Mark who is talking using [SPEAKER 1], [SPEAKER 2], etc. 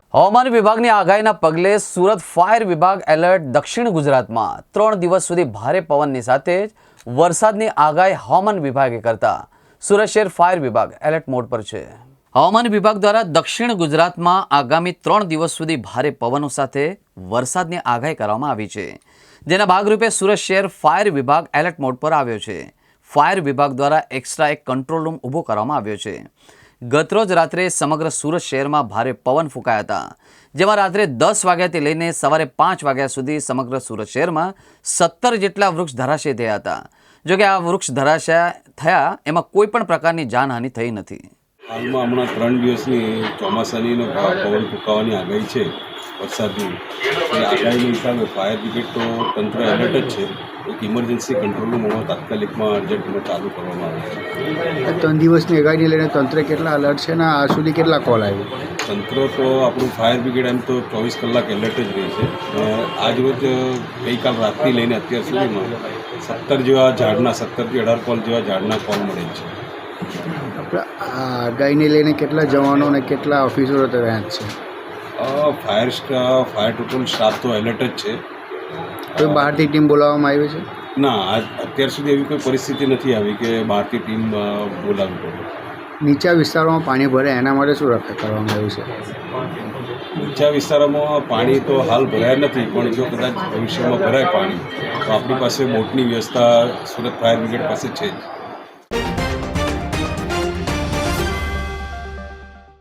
[SPEAKER 1] હવામાન વિભાગની આગાહીના પગલે સુરત ફાયર વિભાગ એલર્ટ. દક્ષિણ ગુજરાતમાં 3 દિવસ સુધી ભારે પવનની સાથે જ વરસાદની આગાહી હવામાન વિભાગે કરતા સુરત શહેર ફાયર વિભાગ એલર્ટ મોડ પર છે. હવામાન વિભાગ દ્વારા દક્ષિણ ગુજરાતમાં આગામી 3 દિવસ સુધી ભારે પવનો સાથે વરસાદની આગાહી કરવામાં આવી છે, જેના ભાગરૂપે સુરત શહેર ફાયર વિભાગ એલર્ટ મોડ પર આવ્યો છે. ફાયર વિભાગ દ્વારા એક્સ્ટ્રા એક કંટ્રોલ રૂમ ઊભો કરવામાં આવ્યો છે. ગતરોજ રાત્રે સમગ્ર સુરત શહેરમાં ભારે પવન ફૂંકાયા હતા, જેમાં રાત્રે 10 વાગ્યાથી લઈને સવારે 5 વાગ્યા સુધી સમગ્ર સુરત શહેરમાં 17 જેટલા વૃક્ષ ધરાશય થયા હતા. જોકે આ વૃક્ષ ધરાશય થયા એમાં કોઈ પણ પ્રકારની જાનહાનિ થઈ નથી.
[SPEAKER 2] હાલમાં હમણાં 3 દિવસની ચોમાસાની પવન ફૂંકાવાની આગાહી છે વરસાદની. એ આગાહીના હિસાબે ફાયર બ્રિગેડ તો તંત્ર એલર્ટ જ છે. એક ઇમરજન્સી કંટ્રોલ રૂમ તાત્કાલિકમાં અર્જન્ટમાં ચાલુ કરવામાં આવે છે.
[SPEAKER 3] 3 દિવસની આગાહીને લઈને તંત્ર કેટલા એલર્ટ છે અને આ સુધી કેટલા કોલ આવ્યો?
[SPEAKER 2] તંત્ર તો આપણું ફાયર બ્રિગેડ એમ તો 24 કલાક એલર્ટ જ રહે છે. આજ રોજ ગઈકાલ રાતથી લઈને અત્યાર સુધીમાં 17 જેવા ઝાડના 17થી 18 કોલ જેવા ઝાડના કોલ મળે છે.
[SPEAKER 3] આપણે આ આગાહીને લઈને કેટલા જવાનો અને કેટલા ઓફિસરો તૈયાર છે?
[SPEAKER 2] ફાયર ટોટલ સ્ટાફ તો એલર્ટ જ છે.
[SPEAKER 3] કોઈ બહારથી ટીમ બોલાવવામાં આવી છે?
[SPEAKER 2] ના, અત્યાર સુધી એવી કોઈ પરિસ્થિતિ નથી આવી કે બહારથી ટીમ બોલાવવી પડે.
[SPEAKER 3] નીચા વિસ્તારોમાં પાણી ભરે એના માટે શું રક્ષા કરવામાં આવ્યું છે?
[SPEAKER 2] નીચા વિસ્તારોમાં પાણી તો હાલ ભરાયા નથી, પણ જો કદાચ ભવિષ્યમાં ભરાય પાણી તો આપણી પાસે બોટની વ્યવસ્થા સુરત ફાયર બ્રિગેડ પાસે છે જ.